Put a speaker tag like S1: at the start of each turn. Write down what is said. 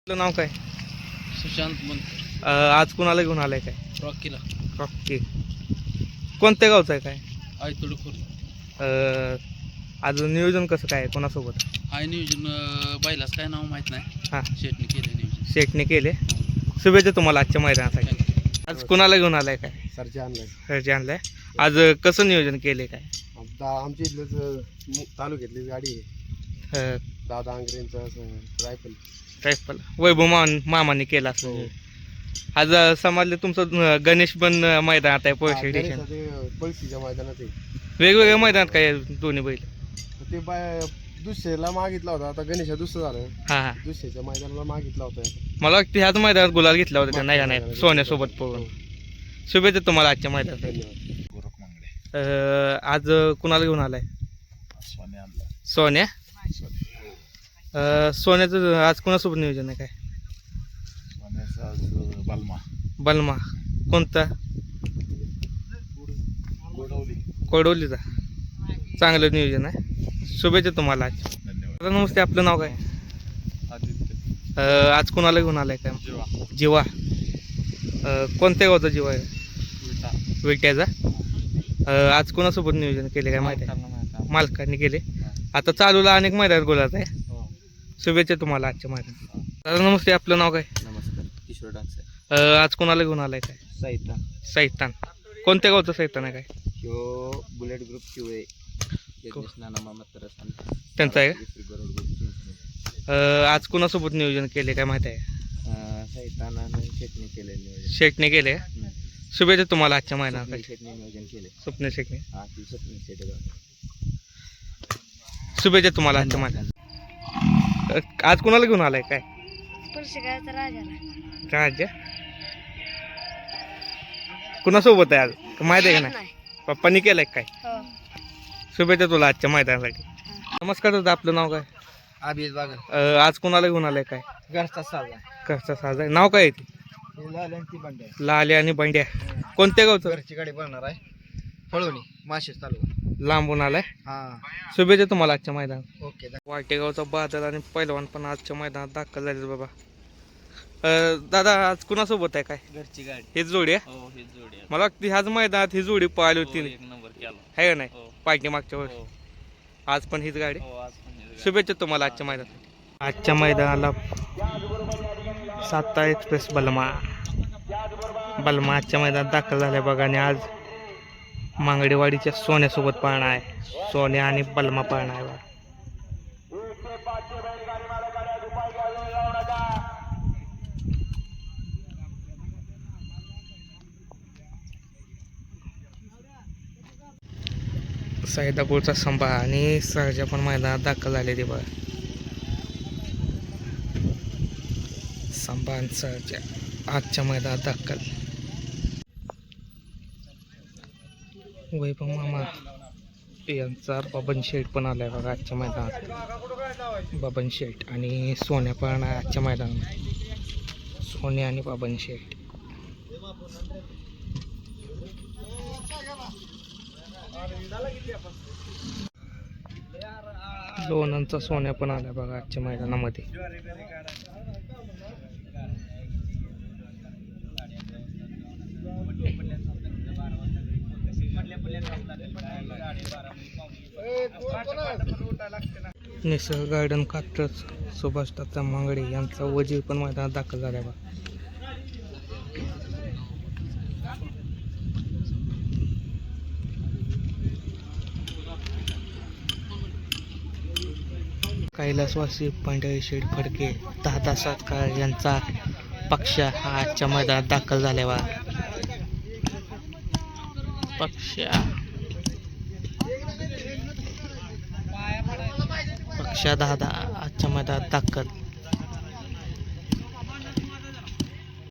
S1: आपलं नाव काय?
S2: सुशांत बनकर.
S1: आज कुणाला घेऊन आलाय काय?
S2: रॉकीला.
S1: ओके. कोणत्या गावचं आहे काय?
S2: आयतोड खोर.
S1: अ, आज नियोजन कसं काय कोणासोबत?
S2: हाय नियोजन बैलाच काय नाव माहित नाही.
S1: हां,
S2: शेटने केले नियोजन.
S1: शेटने केले. शुभेच्छा तुम्हाला आजच्या मैदानासाठी. आज कुणाला घेऊन आलाय काय?
S3: सरचे आणलाय.
S1: घरचे आणलाय. आज कसं नियोजन केले काय?
S3: आमच्या इथलंच तालुक्यातली गाडी आहे.
S1: अ,
S3: दादा आंग्रेंचं रायफल.
S1: रायफल वैभव मामाने केला असं.
S3: हो.
S1: आज समाजले तुमचं गणेश पण मैदानात आहे पोलीस स्टेशन.
S3: पळशीच्या मैदानात आहे.
S1: वेगवेगळ्या मैदानात काय दोन्ही बैल?
S3: ते दुसऱ्याला मागितला होता. आता गणेशा दुसरं झालं.
S1: हां हां,
S3: दुसऱ्याच्या मैदानाला मागितला होता.
S1: मला वाटतं ह्याच मैदानात गुलाल घेतला होता त्या नाही सोन्यासोबत पळून. शुभेच्छा तुम्हाला आजच्या मैदानात.
S3: धन्यवाद. गोरख मांगडे.
S1: आज कुणाला घेऊन आलाय?
S3: सोन्या आणला.
S1: सोन्या. सोन्याचं आज कोणासोबत नियोजन आहे काय?
S3: सोन्याचा आज बलमा.
S1: बलमा कोणता?
S3: गोडवली.
S1: कोडवलीचा. चांगलं नियोजन आहे. शुभेच्छा तुम्हाला आज.
S3: धन्यवाद.
S1: दादा नमस्ते, आपलं नाव काय?
S3: आदित्य.
S1: आज कुणाला घेऊन आलाय काय?
S3: जीवा.
S1: जीवा. कोणत्या गावचा जीवा आहे?
S3: विटा.
S1: विट्याचा. आज कोणासोबत नियोजन केले काय माहिती आहे? मालकांनी केले. आता चालूला अनेक मैदान गोलात आहे.
S3: हो.
S1: शुभेच्छा तुम्हाला आजच्या मैदानात. दादा नमस्ते, आपलं नाव काय?
S3: नमस्कार. किशोर डान्स.
S1: आज कोणाला घेऊन आलाय काय?
S3: साहित्य.
S1: सैतान. कोणत्या गावचं सैतान आहे काय?
S3: ह्यो बुलेट ग्रुप शिवाय
S1: त्यांचं आहे का? आज कोणासोबत नियोजन केले काय माहिती आहे?
S3: शेटने केले नियोजन.
S1: शेटने केले का? शुभेच्छा तुम्हाला आजच्या मैदानासाठी.
S3: शेटने नियोजन केले.
S1: स्वप्न शेटने.
S3: स्वप्न शेट.
S1: शुभेच्छा तुम्हाला आजच्या मैदानात. आज कोणाला घेऊन आलाय काय? राजा. कुणासोबत आहे आज माहिती आहे का नाही? पप्पांनी केलंय काय? शुभेच्छा तुला आजच्या मैदानासाठी. नमस्कार दादा, आपलं नाव काय?
S3: आबिद बागर.
S1: आज कोणाला घेऊन आलाय काय?
S3: घरचा साजा.
S1: घरचा साज आहे. नाव काय आहे ते? लाल्या आणि बंड्या. कोणत्या गावचं?
S3: घरची गाडी बनणार आहे. पळवणी माशेस तालुका.
S1: लांबून आलाय.
S3: हा.
S1: शुभेच्छा तुम्हाला आजच्या मैदानात.
S3: ओके.
S1: वाटेगावचा बादल आणि पैलवान पण आजच्या मैदानात दाखल झाले बाबा. दादा आज कुणासोबत आहे काय?
S2: घरची गाडी.
S1: हेच जोडी आहे.
S2: हो ही जोडी आहे.
S1: मला वाटतं ह्याच मैदानात ही जोडी पाहिली होती
S2: एक नंबर केला.
S1: आहे का नाही?
S2: हो.
S1: पाहिजे मागच्या
S2: हो.
S1: वर्षी. आज पण हीच गाडी.
S2: हो आज पण ही गाडी.
S1: शुभेच्छा तुम्हाला आजच्या मैदानात. आजच्या मैदानाला साता एक्सप्रेस बलमा आजच्या मैदानात दाखल झाल्या बघा. आणि आज मांगडेवाडीच्या सोन्यासोबत पाळणा आहे. सोन्या आणि बलमा पाळणा आहे बघा. सैदापूरचा संभा आणि सहजा पण मैदानात दाखल झाले ते बघा. संभा आणि सहजा आजच्या मैदानात दाखल. वैभव मामा यांचा बबन शेठ पण आलाय बघा आजच्या मैदानात. बबन शेठ आणि सोन्या पण आहे आजच्या मैदानात. सोन्या आणि बबन शेठ. लोणंदचा सोन्या पण आलाय बघा आजच्या मैदानामध्ये. निसर्ग गार्डन कात्रज सुभाष तात्या मांगडे यांचा वजीर पण मैदानात दाखल झाला बा. कैलासवासी पांढरे शेठ फडके दादा सातकार यांचा पक्ष हा आजच्या मैदानात दाखल झाला बा. पक्षा दादा आजच्या मैदानात दाखल.